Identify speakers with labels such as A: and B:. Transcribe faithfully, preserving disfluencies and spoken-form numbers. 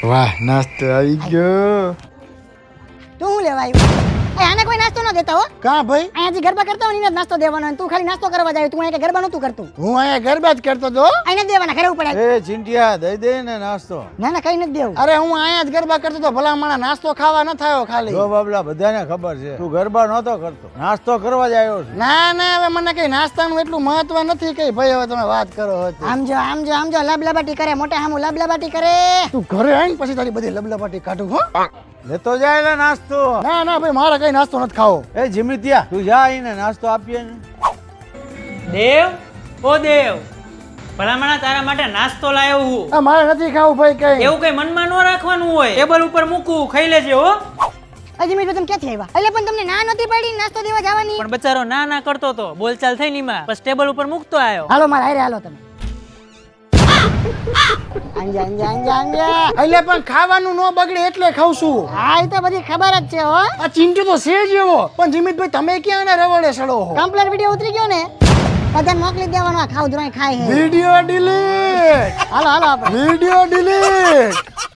A: વાહ નાસ્તો આવી ગયો.
B: તું શું લેવા આવ્યો? એ આને કોઈ નાસ્તો ન દેતા હો.
A: કા ભાઈ?
B: અહીંયા જે ગરબા કરતા હોય ને એને જ નાસ્તો દેવાનો હોય. તું ખાલી નાસ્તો કરવા જાય. તું અહીંયા ગરબા નતું કરતું.
A: હું અહીંયા ગરબા જ કરતો તો.
B: અહીંયા જ દેવાના ઘરે ઉપર.
C: એ ચિંટિયા દઈ દે ને નાસ્તો.
B: ના ના કઈ નથી દેવું.
A: અરે હું અહીંયા જ ગરબા કરતો તો. ભલા માણા નાસ્તો ખાવા ન થયો ખાલી.
C: જો બાબલા બધાને ખબર છે તું ગરબા નહોતો કરતો, નાસ્તો કરવા જ આવ્યો છે.
A: ના ના હવે મને કઈ નાસ્તાનું એટલું મહત્વ નથી કઈ ભાઈ. હવે તમે વાત કરો હતી.
B: આમ જો આમ જો આમ જો લબલબાટી કરે. મોટા હામું લબલબાટી કરે.
A: તું ઘરે આવીને પછી તારી બધી લબલબાટી કાઢું હો.
C: લેતો જાય ને નાસ્તો.
A: ના ના ભાઈ મારે કઈ નાસ્તો નથી ખાવો.
C: એ જીમિતિયા તું જા આઈને નાસ્તો આપીએ ને.
D: દેવ ઓ દેવ, ભલામણા તારા માટે નાસ્તો લાવ્યો હું.
A: આ મારે નથી ખાવું ભાઈ કઈ.
D: એવું કઈ મનમાં ન રાખવાનું હોય, ટેબલ ઉપર મૂકવું, ખાઈ લેજે હો.
B: હજી મેં તમે ક્યાંથી આવ્યા? એટલે પણ તમને ના નથી પડી નાસ્તો દેવા જવાની?
D: પણ બચારો ના ના કરતો તો, બોલચાલ થઈ નીમાં, બસ ટેબલ ઉપર મૂકતો આવ્યો.
B: હાલો મારા હારે હાલો તમે. અંજા અંજા અંજા અંજા.
A: એટલે પણ ખાવાનું ન બગડે એટલે ખાઉં છું.
B: હા એ તો બધી ખબર જ છે હો.
A: આ ચિંટુ તો છે જ એવો. પણ જીમિતભાઈ તમે ક્યાં એને રવડે સડો હો?
B: કમ્પ્લેટ વિડિયો ઉતરી ગયો ને, બધાને મોકલી દેવાનો. આ ખાવ ધોરણ ખાય હે.
A: Video delete.
B: હાલો હાલો આપણે.
A: Video delete.